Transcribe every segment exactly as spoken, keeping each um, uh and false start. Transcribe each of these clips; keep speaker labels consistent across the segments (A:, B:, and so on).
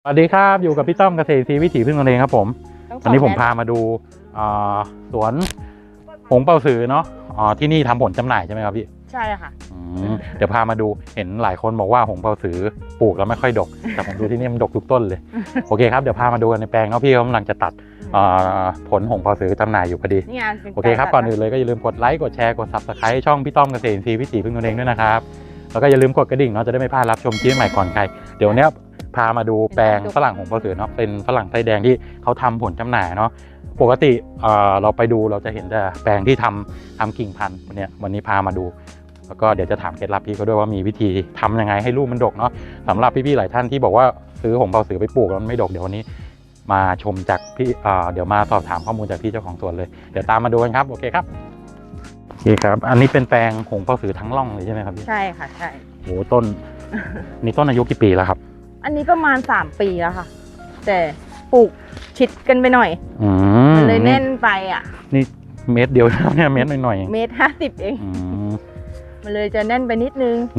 A: สวัสดีครับอยู่กับพี่ต้อมเกษตรซีวิถีพึ่งตนเองครับผมวันนี้ผมพามาดูสวนหงเป่าสือเนาะที่นี่ทำผลจำหน่ายใช่ไหมครับพี่
B: ใช่ค่ะ
A: เดี๋ยวพามาดูเห็นหลายคนบอกว่าหงเป่าสือปลูกแล้วไม่ค่อยดกแต่ผมดูที่นี่มันดกทุกต้นเลยโอเคครับเดี๋ยวพามาดูกันในแปลงเนาะพี่กำลังจะตัดผลหงเป่าสือจำหน่ายอยู่พอดีโอเคครับก่อนอื่นเลยก็อย่าลืมกดไลค์กดแชร์กดซับสไครต์ช่องพี่ต้อมเกษตรซีวิถีพึ่งตนเองด้วยนะครับแล้วก็อย่าลืมกดกระดิ่งเนาะจะได้ไม่พลาดรับชมคลิปใหม่ก่อนใครเดี๋ยวเนี้ยพามาดูแปลงฝรั่งหงเป่าสือเนาะเป็นฝรั่งไส้แดงที่เขาทำผลจำหน่ายเนาะปกติเราไปดูเราจะเห็นแต่แปลงที่ทำทำกิ่งพันธุ์เนี่ยวันนี้พามาดูแล้วก็เดี๋ยวจะถามเคล็ดลับพี่เขาด้วยว่ามีวิธีทำยังไงให้ลูกมันดกเนาะสำหรับพี่ๆหลายท่านที่บอกว่าซื้อหงเป่าสือไปปลูกแล้วมันไม่ดกเดี๋ยววันนี้มาชมจากพี่เดี๋ยวมาสอบถามข้อมูลจากพี่เจ้าของสวนเลยเดี๋ยวตามมาดูกันครับโอเคครับโอเคครับอันนี้เป็นแปลงหงเป่าสือทั้งร่องเลยใช่ไหมครับพี่
B: ใช่ค่ะใช่
A: โอ้ต้นนี่ต้นอายุกี่ปีแล้วครับ
B: อันนี้ประมาณสามปีแล้วค่ะแต่ปลูกชิดกันไปหน่อยมันเลยแน่นไปอ่ะ
A: นี่เมตรเดียวเนี่ยเมตรหน่อย
B: ๆเมตรห้าสิบเองมันเลยจะแน่นไปนิดนึง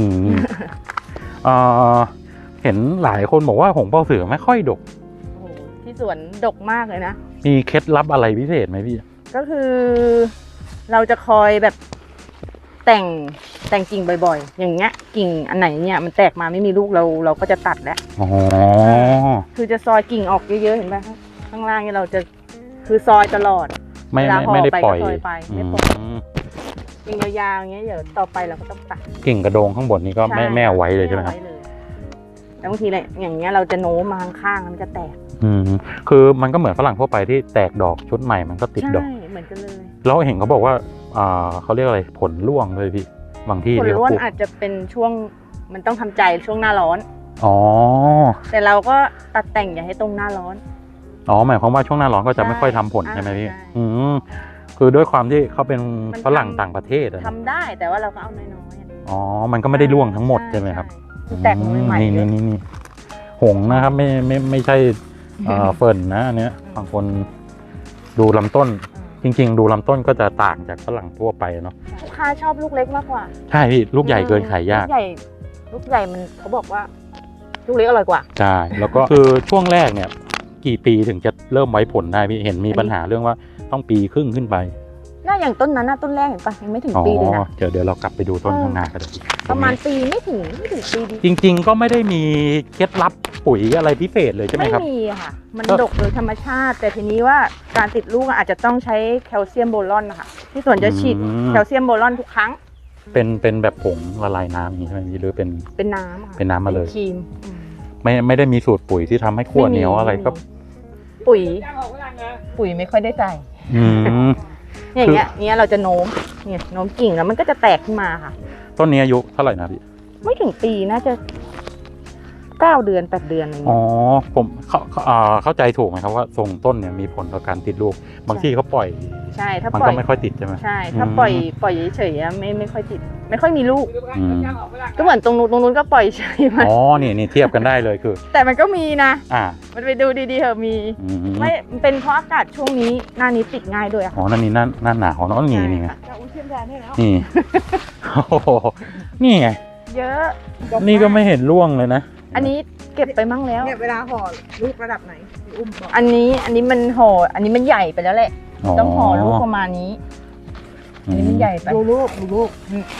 A: เห็นหลายคนบอกว่าหงเป่าสือไม่ค่อยดก
B: โอ้ที่สวนดกมากเลยนะ
A: มีเคล็ดลับอะไรพิเศษไหมพี่
B: ก็คือเราจะคอยแบบแต่งแต่งกิ่งบ่อยๆอย่างเงี้ยกิ่งอันไหนเนี่ยมันแตกมาไม่มีลูกเราเราก็จะตัดแล้ว
A: อ๋อ
B: คือจะซอยกิ่งออกเยอะๆเห็นไหมข้างล่างเนี่ยเราจะคือซอยตลอด
A: ไม่ไม่ได้ปล่อย
B: ไปไม่ปล่อยกิ่งยาวๆอย่างเงี้ยเดี๋ยวต่อไปเราก็ต้องตัด
A: กิ่งกระโดงข้างบนนี้ก็ไม่ไม่เอาไว้เลยใช่ไหมครับ
B: แล้วบางทีเนี่ยอย่างเงี้ยเราจะโน้มมาข้างๆมันจะแตก
A: อืมคือมันก็เหมือนฝรั่งทั่วไปที่แตกดอกชุดใหม่มันก็ติดดอก
B: ใช่เหมือนกันเลย
A: แล้วเห็นเขาบอกว่าอ่าเขาเรียกอะไรผลร่วงเลยพี่บางที่
B: ผลร่วงอาจจะเป็นช่วงมันต้องทำใจช่วงหน้าร้อน
A: อ๋อ
B: แต่เราก็ตัดแต่งอย่าให้ตรงหน้าร้อน
A: อ๋อหมายความว่าช่วงหน้าร้อนก็จะไม่ค่อยทำผลใช่ไหมพี่อืมคือด้วยความที่เขาเป็นฝรั่งต่างประเทศ
B: ทำได้แต่ว่าเราก็เอาน้อย
A: ๆอ๋อมันก็ไม่ได้ร่วงทั้งหมดใช่ไหมครับ
B: แตกใหม่ๆ
A: นี่นี่นี่หงนะครับไม่ไม่ไม่ใช่เฟิร์นนะอันเนี้ยบางคนดูลำต้นจริงๆดูลำต้นก็จะต่างจากฝรั่งทั่วไปเนาะ
B: ลูกค้าชอบลูกเล็กมากกว่า
A: ใช่พี่ลูกใหญ่เกินขายยาก
B: ลูกใหญ่ลูกใหญ่มันเขาบอกว่าลูกเล็กอร่อยกว่า
A: ใช่แล้วก็คือช่วงแรกเนี่ยกี่ปีถึงจะเริ่มไว้ผลได้พี่เห็นมีปัญหาเรื่องว่าต้องปีครึ่งขึ้นไป
B: น่าอย่างต้นนั้นน่ะต้นแรกเห็นปะยังไม่ถึงปีเลยนะ
A: เดี๋ยวเดี๋ยวเรากลับไปดูต้นข้างหน้ากัน
B: ประมาณปีไม่ถึงไม่ถึงปี
A: จริงๆก็ไม่ได้มีเคล็ดลับปุ๋ยอะไรพิเศษเลยใช่ไหมครับ
B: ไม่มีค่ะมันดกโดยธรรมชาติแต่ทีนี้ว่าการติดลูกอาจจะต้องใช้แคลเซียมโบรอนนะคะที่ส่วนจะฉีดแคลเซียมโบรอนทุกครั้ง
A: เป็นเป็นแบบผงละลายน้ำอย่างนี้ใช่ไหมหรือเป็น
B: เป็นน้ำ
A: เป็นน้ำมาเลย
B: ครีม
A: ไม่ไม่ได้มีสูตรปุ๋ยที่ทำให้ขั้วเหนียวอะไรก็
B: ปุ๋ยปุ๋ยไม่ค่อยได้ใส่อย่างเงี้ยเนี้ยเราจะโน้มเนี่ยโน้มกิ่งแล้วมันก็จะแตกขึ้นมาค่ะ
A: ต้นนี้อายุเท่าไหร่นะพี่
B: ไม่ถึงปีน่าจะเก้าเดือนแปดเดือนอะไรเงี้ย
A: อ๋อผมเขาเข้าใจถูกไหมครับว่าทรงต้นเนี่ยมีผลต่อการติดลูกบางที่เขาปล่อย
B: ใช่ถ้า
A: มันก็ไม่ค่อยติดใช่ไหม
B: ใช่ถ้าปล่อยปล่อยเฉยๆไม่ไม่ค่อยติดไม่ค่อยมีลูกก็เหมือนตรงนู้นตรงนู้นก็ปล่อยเฉยมัน
A: อ๋อนี่นี่เทียบกันได้เลยคือ
B: แต่มันก็มีนะ
A: อ่า
B: มันไปดูดีๆเถอะมีไม่เป็นเพราะอากาศช่วงนี้หน้านี้ติดง่ายด้วย
A: อ๋อนั่นนี่หน้าหน้าหนาวเนาะนี่นี่ไงนี่โอ้โหนี่ไง
B: เยอะ
A: นี่ก็ไม่เห็นร่วงเลยนะ
B: อันนี้เก็บไปมั่งแล้ว
C: เนี่ยเวลาห่อลูกระดับไหนอุ้ม
B: อันนี้อันนี้มันห่ออันนี้มันใหญ่ไปแล้วแหละต้องห่อลูกประมาณนี้อันนี้มันใหญ่ไป
C: ดูลูกดูลูก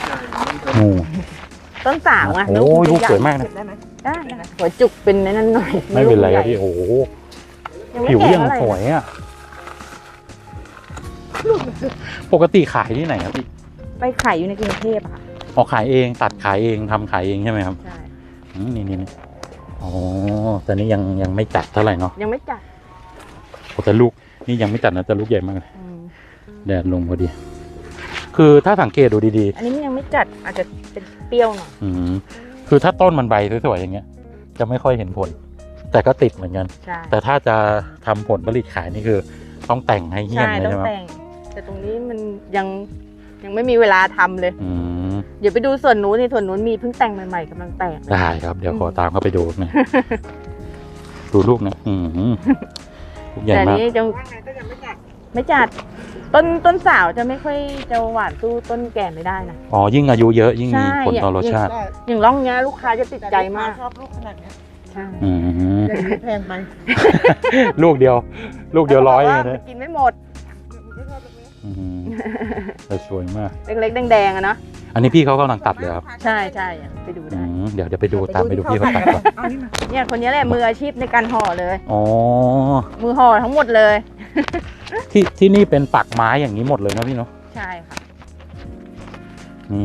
B: ต้นสาวอ่ะ
A: โอ้ยลูกสวยมากนะ
B: ได้ไหมได้หัวจุกเป็นนั่นหน่อย
A: ไม่เป็นไรพี่โอ้ผิวยังสวยอ่ะปกติขายที่ไหนครับพี่
B: ไปขายอยู่ในกรุงเทพค่ะ
A: ออกขายเองตัดขายเองทำขายเองใช่ไหมครับ
B: ใช่
A: นี่นี่นี่อ๋อแต่นี้ยังยังไม่จัดเท่าไหร่เนาะ
B: ยังไม่จัด
A: โอ้แต่ลูกนี่ยังไม่จัดนะแต่ลูกใหญ่มากเลยแดดลงพอดีคือถ้าสังเกตดูดี
B: ๆอันนี้ยังไม่จัดอาจจะเป็นเปรี้ยวหน่อย
A: อืมคือถ้าต้นมันใบสวยๆอย่างเงี้ยจะไม่ค่อยเห็นผลแต่ก็ติดเหมือนกันแต่ถ้าจะทำผลผลิตขายนี่คือต้องแต่งให้เหี้ยมเลยใช่ไหม
B: ต้องแต่งแต่ตรงนี้มันยังยังไม่มีเวลาทำเลยเดี๋ยวไปดูส่วนนู้นในส่วนนู้นมีเพิ่งแต่งใหม่ๆกำลังแตก
A: ได้ครับเดี๋ยวขอตามเข้าไปดูนะดูลูกนะอืมลูกใหญ่มาก
B: แต่นี้จะไม่จัดต้นต้นสาวจะไม่ค่อยจะหวานสู้ต้นแก่ไม่ได้นะ
A: อ๋อยิ่งอายุเยอะยิ่งมีผลต่อรสชาติ
B: อย่างร่องเงี้ยลูกค้าจะติดใจมาก
C: ชอบลูกขนาดนี้
B: ใช่
C: อย่างนี้แพงไหม
A: ลูกเดียว ลูกเดียวร้อย
B: ขาบก
A: เล
B: ว่าย กินไม่หมด
A: อืมแต่สวยมาก
B: เล็กๆแดงๆอะเนาะ
A: อันนี้พี่เขากำลังตัดเลยครับ
B: ใช่ใช่ไปดู
A: อื
B: ได้
A: มเดี๋ยวเดี๋ยวไปดูตามไปดูพี่เขาตัดก่อน
C: เอานี่มา
B: เนี่ยคนนี้แหละมืออาชีพในการห่อเลย
A: อ๋อ
B: มือห่อทั้งหมดเลย
A: ที่ที่นี่เป็นปักไม้อย่างนี้หมดเลยนะพี่เนาะ
B: ใช่ค่ะ
A: นี่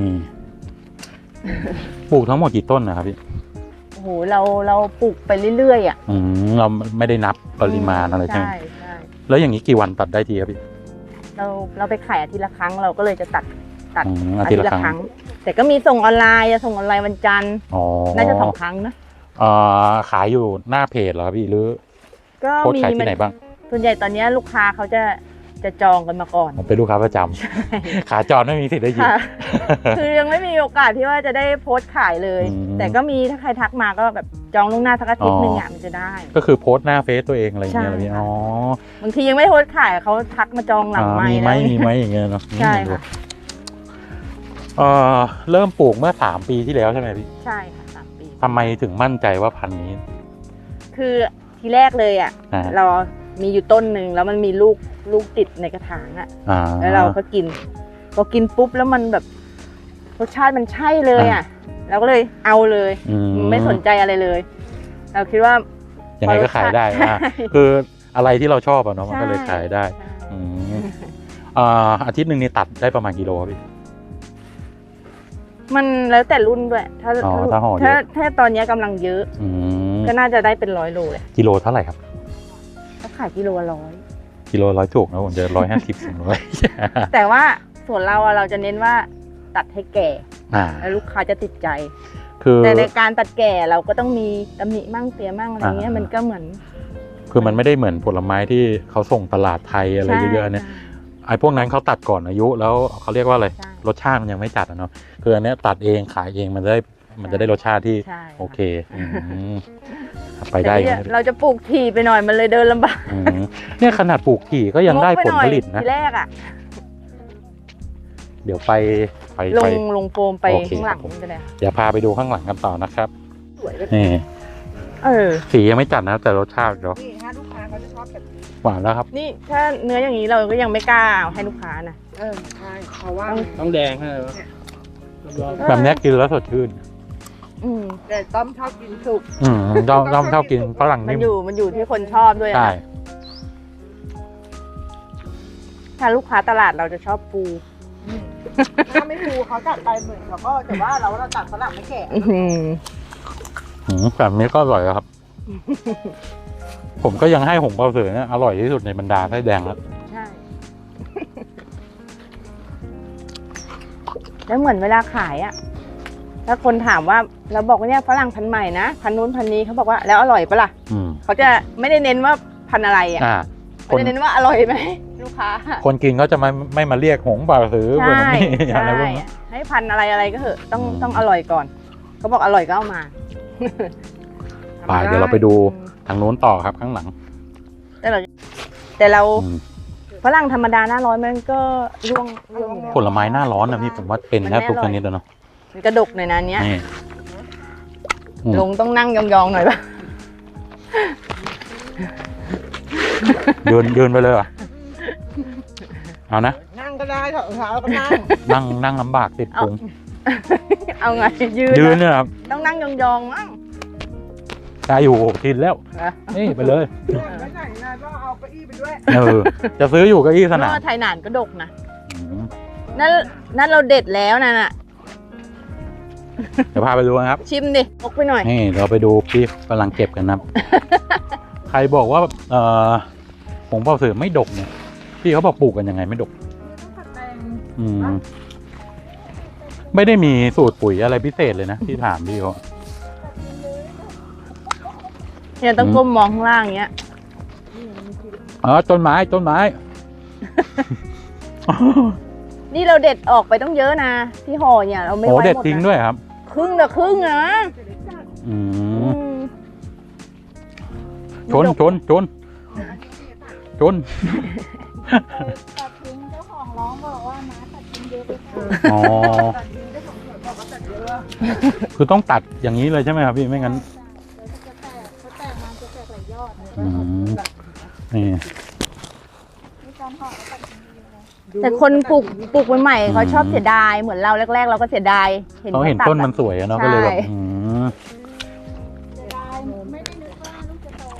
A: ปลูกทั้งหมดกี่ต้นนะครับพี่
B: โอ้โหเราเราปลูกไปเรื่อยๆอ่ะ
A: อืมเราไม่ได้นับปริมาณอะไรใช่ไหม
B: ใช่ใช่
A: แล้วอย่างนี้กี่วันตัดได้ทีครับพี่
B: เราเราไปขายอาทิตย์ละครั้งเราก็เลยจะตัดตัด
A: อืมอาทิตย์ละครั้ง
B: แต่ก็มีส่งออนไลน์จะส่งออนไลน์วันจันทร์
A: อ๋อ
B: น่าจะสองครั้งนะ
A: เอ่อขายอยู่หน้าเพจเหรอครับพี่หรือ
B: ก็
A: โพสต์
B: มี
A: ขายที่ไหนบ้าง
B: ส่วนใหญ่ตอนนี้ลูกค้าเขาจะจะจองกันมาก่อน
A: ผมเป็นลูกค้าประจำ ขาจรไม่มีสิทธิ์ได้ยิน
B: ค่ะ คือยังไม่มีโอกาสที่ว่าจะได้โพสต์ขายเลย
A: อืม
B: แต่ก็มีถ้าใครทักมาก็แบบจองล่วงหน้าสักอาทิตย์หนึ่งอ่ะมันจะได้
A: ก็คือโพสต์หน้าเฟซตัวเองอะไรอย่างเงี้ย
B: ใช่
A: เหรอพี่อ๋อบ
B: างทียังไม่โพสต์ขายเขาทักมาจองหลัง
A: อ่า
B: ไม
A: มี
B: ค์
A: ไหม
B: แล้ว
A: มีไหมอย่างเงี้ยเนาะ
B: ใช่ค่ะ
A: เอ่อเริ่มปลูกเมื่อสามปีที่แล้วใช่ไหมพี่
B: ใช่ค่ะสามปี
A: ทำไมถึงมั่นใจว่าพันธุ์นี้
B: คือทีแรกเลยอ่ะ
A: อ่า
B: เรามีอยู่ต้นหนึ่งแล้วมันมีลูกลูกติดในกระถางอ่ะ
A: อ่า
B: แล้วเราก็กินพอกินปุ๊บแล้วมันแบบรสชาติมันใช่เลยอ่ะเราก็เลยเอาเลย
A: อืม
B: ไม่สนใจอะไรเลย เราคิดว่า
A: ยังไงก็ขายได้
B: ใช่
A: อ่ะคืออะไรที่เราชอบอะเนาะมันก็เลยขายได้
B: ใช่
A: อืมอ่าอาทิตย์หนึ่งนี่ตัดได้ประมาณกิโลครับพี่
B: มันแล้วแต่รุ่นด้วย ถ้า
A: อ๋อถ้าห่อเยอะ
B: ถ้าถ้าตอนนี้กำลังเยอะ
A: อืม
B: ก็น่าจะได้เป็นร้อยโลเลย
A: กิโลเท่าไหร่ครับ
B: ถ้าขายกิโลละร้อย
A: กิโลร้อยถูกนะผมจะร้อยห้าสิบสองร้อย
B: แต่ว่าส่วนเราอะเราจะเน้นว่าตัดให้แก่
A: อ่า
B: แล้วลูกค้าจะติดใจ
A: คือ
B: แต่ในการตัดแก่เราก็ต้องมีตำหนิมั่งเสียมั่งอะไรเงี้ย
A: อ่ามั
B: มันก็เหมือน
A: คือมันไม่ได้เหมือนผลไม้ที่เขาส่งตลาดไทยอะไร
B: ใช่
A: เยอะๆเนี่ยไอ้พวกนั้นเขาตัดก่อนอายุแล้วเขาเรียกว่าอะไร
B: ใช่
A: รสชาติมันยังไม่จัดอะเนาะคืออันเนี้ยตัดเองขายเองมันจะได้มันจะได้รสชาติที่
B: ใช่
A: โอเคอืมไปได้
B: แต่
A: อยู่
B: เนี่ยเราจะปลูกถี่ไปหน่อยมันเลยเดินลำบาก
A: อืมเนี่ยขนาดปลูกถี่ก็ยังได้ผลผลิตนะ
B: ทีแรกอะ
A: เดี๋ยวไปไป
B: ล
A: ไป
B: งลงโฟมไป
A: โอเค
B: ข้างหลัง
A: ครับผม
B: จะได้
A: เดี๋ยวพาไปดูข้างหลังกันต่อนะครับ
B: สวยเลย
A: นี่
B: เออ
A: สียังไม่จัดนะแต่รสชาติเนาะ
C: นี่ฮะลูกค้าเขาจะชอบแบบนี้
A: หวานแล้วครับ
B: นี่ถ้าเนื้ออย่างนี้เราก็ยังไม่กล้าเอาให้ลูกค้านะ
C: เออใช่เพราะว่า
D: ต้องแดงใช่ไหม
A: แบบเนี้ยกินแล้วสดชื่น
B: อืม
C: แต่ต้อมชอบกินสุก
A: อืมเราเราชอบกินฝรั่ง
B: มัน
A: นิ่ม
B: อยู่มันอยู่ที่คนชอบด้วยอะ
A: ใช่
B: ถ้าลูกค้าตลาดเราจะชอบปู
C: ถ้าไม่ฟูเขาตัดไปเหมือนเขาก็แต่ว่าเราเราตัดฝรั่งไม่แก่
B: อื้อหือ
A: อืมแบบนี้ก็อร่อยแล้วครับ ผมก็ยังให้หงเปาเสือเนี่ยอร่อยที่สุดในบรรดาไส้แดงแล้ว
B: ใช่ แล้วเหมือนเวลาขายอะถ้าคนถามว่าเราบอกว่าเนี่ยฝรั่งพันธุ์ใหม่นะพันธุ์นู้นพันธุ์นี้เขาบอกว่าแล้วอร่อยปะล่ะ
A: อืม
B: เขาจะไม่ได้เน้นว่าพันธุ์อะไรอะ
A: อ่า ค
B: เขา
A: น
B: จะเน้นว่าอร่อยไหมลูกค้า
A: คนกินก็จะไม่ไม่มาเรียกหงเปาสือเหมือน
B: ใช่
A: นี่
B: ใช่
A: อะไรพวกนี้
B: ให้พันธุ์อะไรอะไรก็เถอะต้อง
A: อืม
B: ต้องอร่อยก่อนเขาบอกอร่อยก็เอามา
A: ไปเดี๋ยวเราไปดูทางนู้นต่อครับข้างหลัง
B: แต่เราแต่เรา
A: อืม
B: ฝรั่งธรรมดาหน้าร้อนมันก็ร่วงร่วงอยู่แล้ว
A: ผลไม้หน้าร้อนนะพี่ผมว่าเป็น
B: มัน
A: แทบทุก
B: ไม่อร่
A: ช
B: อย
A: นิดแล้วเนาะ
B: มันกระดกหน่อยนะอันเนี้ย
A: นี่อืม
B: ลงต้องนั่งยองๆหน่อยป่ะ
A: ยืนยืนไปเลยเหรอเอานะ
C: นั่งก็ได้ถอดรองเท้าก็นั่ง
A: นั่งนั่งลำบากติดพุง
B: เอาไงยืน
A: ยืน
B: นะ
A: เนี่ยครับ
B: ต้องนั่งยองๆมั้ง
A: ได้อยู่ทินแล้ว
B: นะ
A: นี่ไปเลย
C: ไม่ไหนนะก็เอาเก้าอี้ไปด้วย
A: เออจะซื้ออยู่เก็อี้สนาม
B: ก็ไทยหนานก็ดกนะ
A: อืม
B: นั่นนั่นเราเด็ดแล้วนะน่ะ
A: เดี๋ยวพาไปดูนะครับ
B: ชิมดิพกไปหน่อย
A: นี่เราไปดูพี่กำลังเก็บกันนะครับ ใครบอกว่าเอ่อผงเปาสือไม่ดกเนี่ยพี่เขาบอกปลูกกันยังไงไม่ดก อืมไม่ได้มีสูตรปุ๋ยอะไรพิเศษเลยนะที่ถามพี่เขา
B: เนี่ยต้องก้มมองข้างล่างอย่างเงี้ย
A: อ๋อต้นไม้ต้นไม้
B: นี่เราเด็ดออกไปต้องเยอะนะที่ห่อเนี่ยเราไม่
A: โอ้
B: ไว้
A: เด็ด
B: หมด
A: ทิ้ง
B: นะ
A: ด้วยครับ
B: ครึ่งละครึ่งนะ
A: อื
B: อื
A: ม
B: ม
A: ชนชนชนชน
E: ตัดทิ้งเจ้าของร้องบอกว่าน้าตัดทิ้งเยอะไปค่ะ
A: อ๋อ
C: ตัดทิ้งเจ้าของสวนบอกว่าตัดเยอะ
A: คือต้องตัดอย่างนี้เลยใช่ไหมครับพี่ไม่งั้น
E: เดี๋ยวจะแตกเขาแตกมาจะแตก
A: อืมนี่
E: มีการห่อแล้วตัดทิ้งดีเลย
B: แต่คนปลูกปลูกใหม่ๆเขาชอบเสียดายเหมือนเราแรกๆ เราก็เสียดาย
A: เขาเห็นต้นมันสวยอะเนาะก็เลยแบบอืม
E: เสียดายไม่ได้นึกว่าลูกจะโต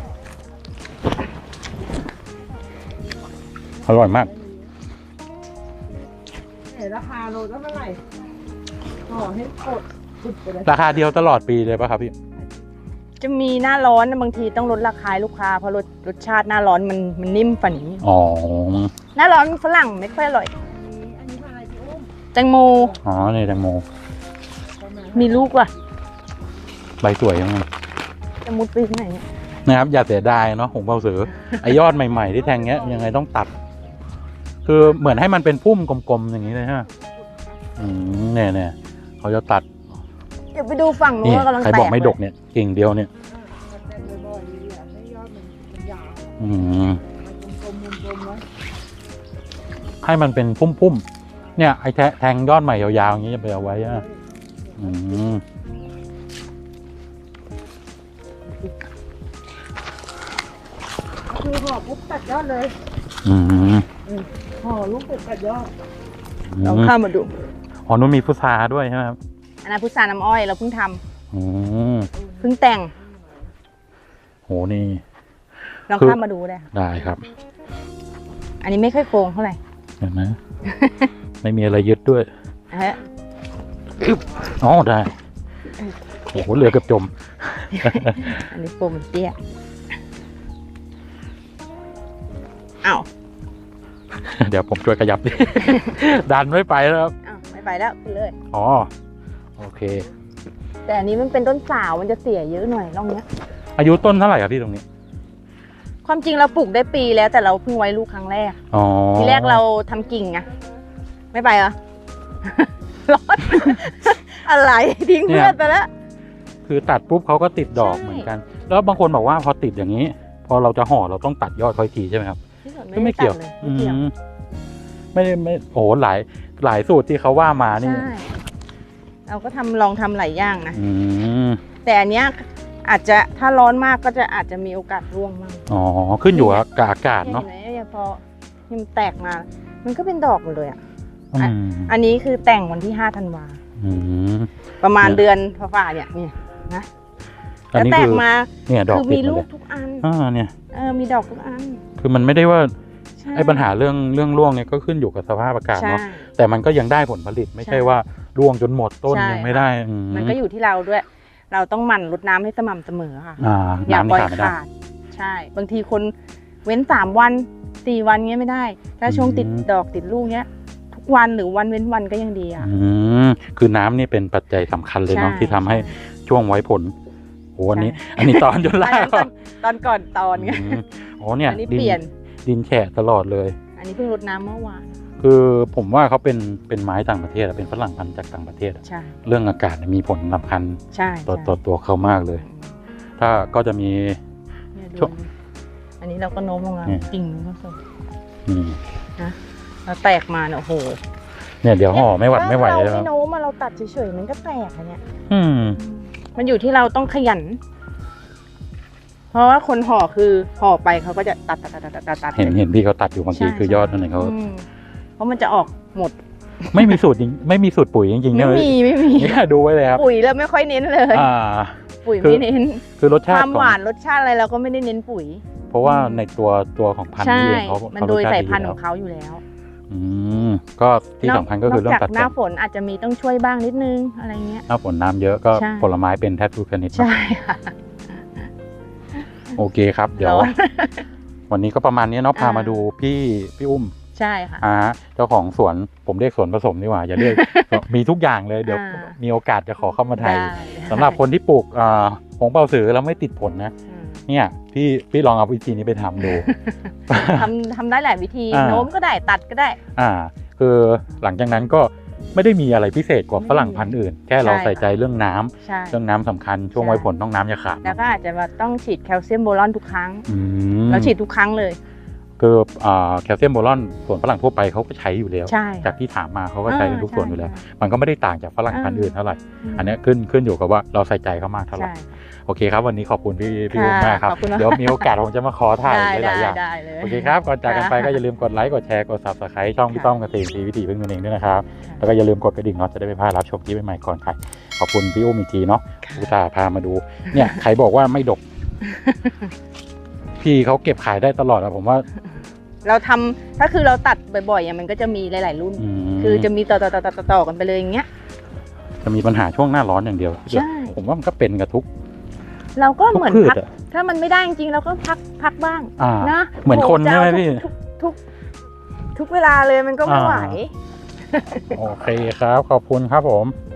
A: อร่อยมาก
C: เห็นราคาโลเท่าไหร่ห่อให้กดสุดไปเลย
A: ราคาเดียวตลอดปีเลยป่ะครับพี่
B: จะมีหน้าร้อนบางทีต้องลดราคาให้ลูกค้าเพราะรสรสชาติหน้าร้อนมันมันนิ่มฝันนี้
A: อ๋อ
B: หน้าร้อนฝรั่งไม่ค่อยอร่อย
C: อันนี้พันอะไรพี่อุ้ม
B: แตงโม
A: อ๋อนี่แตงโม
B: มีลูกว่ะ
A: ใบสวยยังไง
B: จะมุดไปที่ไหนเนี่ย
A: นะครับอย่าเสียดายเนาะหงเปาสือ ไอยอดใหม่ๆที่แทงเงี้ยยังไงต้องตัด คือเหมือนให้มันเป็นพุ่มกลมๆอย่างนี้เลยฮะอืมเนี่ยเนี่ยเขาจะตัด
B: เดี๋ยวไปดูฝั่งนู้
A: นี่
B: นว่ากำลัง
A: ใคร
B: แต
A: บอก
B: ก
A: ไม่ดกเนี่ยกิ่งเดียวเนี่ย
C: แต่บ่อยๆอยากให้ยอดมันมันยาว
A: อืม
C: มันกลมๆกลมๆไว้
A: ให้มันเป็นพุ่มๆเนี่ยไอแทแทงยอดใหม่ยาวๆอย่างนี้จะไปเอาไว้อะอืม
C: คือห่อปุ๊บตัดยอดเลย
A: อืม
C: ห่อลูกเป็ดตัดยอด
B: ลองเข้ามาดู
A: อ๋อนู้นมีพุทราด้วยใช่ไหมครับ
B: อันนั้นพุทราน้ำอ้อยเราเพิ่งทำ
A: อืม
B: เพิ่งแต่ง
A: โหนี่
B: ลอง
A: คือ
B: เข้ามาดูได้ค่ะ
A: ได้ครับ
B: อันนี้ไม่ค่อยโกงเท่าไหร่
A: เห็นไหม ไม่มีอะไรยึดด้วย
B: ฮะ
A: อ๋อได้โอ้โหเรือเกือบจม
B: อันนี้โกงมันเตี้ยอ้าว
A: เดี๋ยวผมช่วยขยับดิ ดันไม่ไปแล้วครับ
B: อ้าวไม่ไปแล้วขึ้นเลย
A: อ๋อโอเค
B: แต่อันนี้มันเป็นต้นสาวมันจะเสียเยอะหน่อยร่องเนี้ย
A: อายุต้นเท่าไหร่ครับพี่ตรงนี้
B: ความจริงเราปลูกได้ปีแล้วแต่เราเพิ่งไว้ลูกครั้งแรก
A: อ๋อ
B: ทีแรกเราทำกิ่งไงไม่ไปเหรอ ร้อน อะไรทิ้งเพื่อนไปแล้ว
A: คือตัดปุ๊บเขาก็ติดดอก
B: ใช่
A: เหมือนกัน แล้วบางคนบอกว่าพอติดอย่างนี้ พอเราจะห่อเราต้องตัดยอดค่อยทีใช่ไหมครับ
B: ที่สุด
A: ก็ไม่เกี่ยว
B: ด้ตัดล
A: อื
B: ไม่เกี่ยว
A: มไม่ได้ไม่โอ้โหหลายหลายสูตรที่เขาว่ามานี่
B: ใช่เราก็ทำลองทำหลายอย่างนะ
A: อืม
B: แต่อันเนี้ยอาจจะถ้าร้อนมากก็จะอาจจะมีโอกาสร่วงมั่ง
A: อ๋อขึ้นอยู่กับอากาศ
B: เห็น
A: เนาะ
B: ไหมเนี่ยพอที่มันแตกมา มันก็เป็นดอกหมดเลยอ่ะ
A: อืม
B: อันนี้คือแต่งวันที่ห้าธันวา
A: อืม
B: ประมาณ
A: เนี่ย
B: เดือนฝ่าๆเนี่ยเนี่ยนะ
A: อัน
B: แล้ว
A: นี้
B: แต
A: คื
B: ก
A: อ
B: มา
A: เนี่ยดอก
B: คือ
A: ติด
B: มี
A: หม
B: ลู
A: ด
B: ก
A: เลย
B: ทุกอัน
A: อ่าเนี่ย
B: เออมีดอกทุกอัน
A: คือมันไม่ได้ว่า
B: ใช่
A: ไอ้ปัญหาเรื่องเรื่องร่วงเนี่ยก็ขึ้นอยู่กับสภาพอากาศ
B: ใช่
A: เนาะแต่มันก็ยังได้ผลผลิตไม่ใช่
B: ใช่
A: ว่าร่วงจนหมดต้น
B: ใช่
A: ยังไม่ได้อื
B: มันก็อยู่ที่เราด้วย เราต้องหมั่นรดน้ำให้สม่ำเสมอค่ะ
A: อ่า
B: อย่า
A: น้ำ
B: ปล่
A: นี่
B: อย
A: ขาดไม่ได้
B: ขาด ใช่ บางทีคนเว้นสามวันสี่วันเงี้ยไม่ได้ ถ้าช่วง
A: อืม
B: ติดดอกติดลูกเงี้ย ทุกวันหรือวันเว้นวันก็ยังดีอ่ะ
A: อืมคือน้ำนี่เป็นปัจจัยสำคัญเลยเนาะ
B: ใช่
A: ที่ทำให้
B: ใช่
A: ช่วงไว้ผลโอ้อันนี้
B: ใช่
A: อันนี้ตอนจน
B: อัน
A: ล่า
B: นั้นตอนตอนก่อนตอนไง
A: อืมอ๋อเนี่ย
B: อันนี้
A: ดิ
B: เปลี่ยน
A: ดินแฉะตลอดเลย
B: อันนี้เพิ่งรดน้ำเมื่อวาน
A: คือผมว่าเขาเป็นเป็นไม้ต่างประเทศอะเป็นฝรั่งพันธุ์จากต่างประเทศอะ
B: ใช่
A: เรื่องอากาศเนี่ยมีผลสำคัญ
B: ใช่
A: ต่อ
B: ใช่
A: ต่อตัวเขามากเลย ถ้าก็จะมี
B: เนี่ย
A: ช่
B: ดู
A: วง
B: อันนี้เราก็โน้มลงมา
A: เนี่ย
B: กิ่งมันก็ส่ง
A: อืม
B: แล้วแตกมาเนี่ยโอ้โห
A: เนี่ยเดี๋ยวห่อไม่หวัดไม่ไหว
B: ถ้า
A: แล้ว
B: เราไม่โน้มมาเราตัดเฉยๆมันก็แตกอะเนี่ย
A: อืม
B: มันอยู่ที่เราต้องขยัน เพราะว่าคนห่อคือห่อไปเขาก็จะตัดตัดตัดตัดตัดตัด
A: เห็นเห็นพี่เขาตัดอยู่บางที
B: ใช่
A: คือยอดนั่นเองเขา
B: อืมเพราะมันจะออกหมด
A: ไม่มีสูตรจริงไม่มีสูตรปุ๋ยจริงๆ
B: ไม่
A: เนี่ย
B: มีไม่มี
A: เนี่ยดูไว้เลยครับ
B: ปุ๋ยเราไม่ค่อยเน้นเลย
A: อ่า
B: ปุ๋ย
A: คือ
B: ไม่เน้น
A: คือรส
B: ค
A: ชาติ
B: วาม
A: ขอ
B: ห
A: ง
B: วานรสชาติอะไรเราก็ไม่ได้เน้นปุ๋ย
A: เพราะว่าในตัวตัวของพันธุ์
B: ใช่
A: นี่เองเขา
B: มัน
A: เขา
B: โด
A: รส
B: ย
A: ชาติ
B: สาย
A: ดี
B: พันธุ์
A: แล้
B: ข
A: ว
B: องเขาอยู่แล้ว
A: อืมก็ที่สำคัญก็คือเรื่องตัด
B: นกจากห
A: แต่
B: น้าง ฝนอาจจะมีต้องช่วยบ้างนิดนึงอะไรเงี้ย
A: หน้าฝนน้ำเยอะก็
B: ใช่
A: ผลไม้เป็นแทบทุกชนิดเนอะ
B: ใช่ค่ะ
A: โอเคครับ เดี๋ยว
B: ร้อน
A: วันนี้ก็ประมาณนี้เนาะพา
B: อ่าม
A: มาดูพี่พี่อุ้ม
B: ใช่ค่ะ
A: อ่าเจ้าของสวนผมเรียกสวนผสมดีกว่าอย่าเรียก มีทุกอย่างเลยเดี๋ยว
B: อ่า
A: มีโอกาสจะขอเข้ามาถ่าย
B: ได้
A: สำหรับคนที่ปลูกอ่าผงเป่าสือแล้วไม่ติดผลนะ
B: อืม
A: เนี่ยพี่พี่ลองเอาวิธีนี้ไปทำดู
B: ทำทำได้หลายวิธี
A: อ่า
B: โน้มก็ได้ตัดก็ได้
A: อ่า คือหลังจากนั้นก็ไม่ได้มีอะไรพิเศษกว่าฝรั่งพันธุ์อื่น แค่เรา
B: ใช่
A: ใส่ใจเรื่องน้ำ
B: ใช่
A: เรื่องน้ำสำคัญช่วง
B: ใช่
A: ไว้ผลต้องน้ำอย่าขาด
B: แล้วก็อาจจะว่าต้องฉีดแคลเซียมโบรอนทุกครั้ง
A: อืม
B: เราฉีดทุกครั้งเลย
A: คืออ่าแคลเซียมโบรอนส่วนฝรั่งทั่วไปเขาก็ใช้อยู่แล้ว
B: ใช่
A: จากที่ถามมาเขาก็ใช้กันทุกส่วนอยู่แล้ว
B: ใช่
A: มันก็ไม่ได้ต่างจากฝรั่งพันธุ์อื่นเท่าไหร่อันนี้ขึ้นขึ้นอยู่กับว่าเราใส่ใจเขามากเท่าไหร่
B: ใช่
A: โอเคครับวันนี้ขอบคุณพี่พี่
B: ค่ะ
A: อุ้มมากครับ
B: ขอบคุณมาก
A: เดี๋ยวมีโอกาสผมจะมาขอถ่าย
B: ได้
A: หลายๆอย่าง
B: ได้เลย
A: โอเคครับก่อนจากกันไป
B: ค่ะ
A: ก็อย่าลืมกดไลค์กดแชร์กด ซับสไครบ์ ช่องพี่
B: ค่ะ
A: ต้อมเกษตรซีวิถีพึ่งตนเองด้วยนะครับแล้วก็อย่าลืมกดกระดิ่งเนาะจะได้ไม่พลาดรับชมคลิปใหม่ๆก่อนใครขอบคุณพี่อุ้มอีกทีเนาะอุตส่าห์พามาดูเนี่ยใครบอกว่าไม่ดก พี่เขาเก็บขายได้ตลอดอะผมว่า
B: เราทำถ้าคือเราตัดบ่อยๆอ่ะมันก็จะมีหลาย ๆ รุ่น
A: อืม
B: คือจะมีต่อต่อต่อต่อต่อกันไปเลยอย่างเงี้ย
A: จะมีปัญหาช่วงหน้าร้อนอย่างเดียว
B: ใช่
A: ผมว่ามันก็เป็นกับทุก
B: เราก็
A: ทุก
B: เหมือน
A: พืช
B: พัก
A: อะ
B: ถ้ามันไม่ได้จริงๆเราก็พักพักบ้าง
A: อ่า
B: นะ
A: เหมือนคน
B: โโ
A: ใช่ไหม
B: จะเอา
A: พี่
B: ทุกทุกทุกเวลาเลยมันก็ไม่ไหว
A: โอเคครับขอบคุณครับผม
B: ค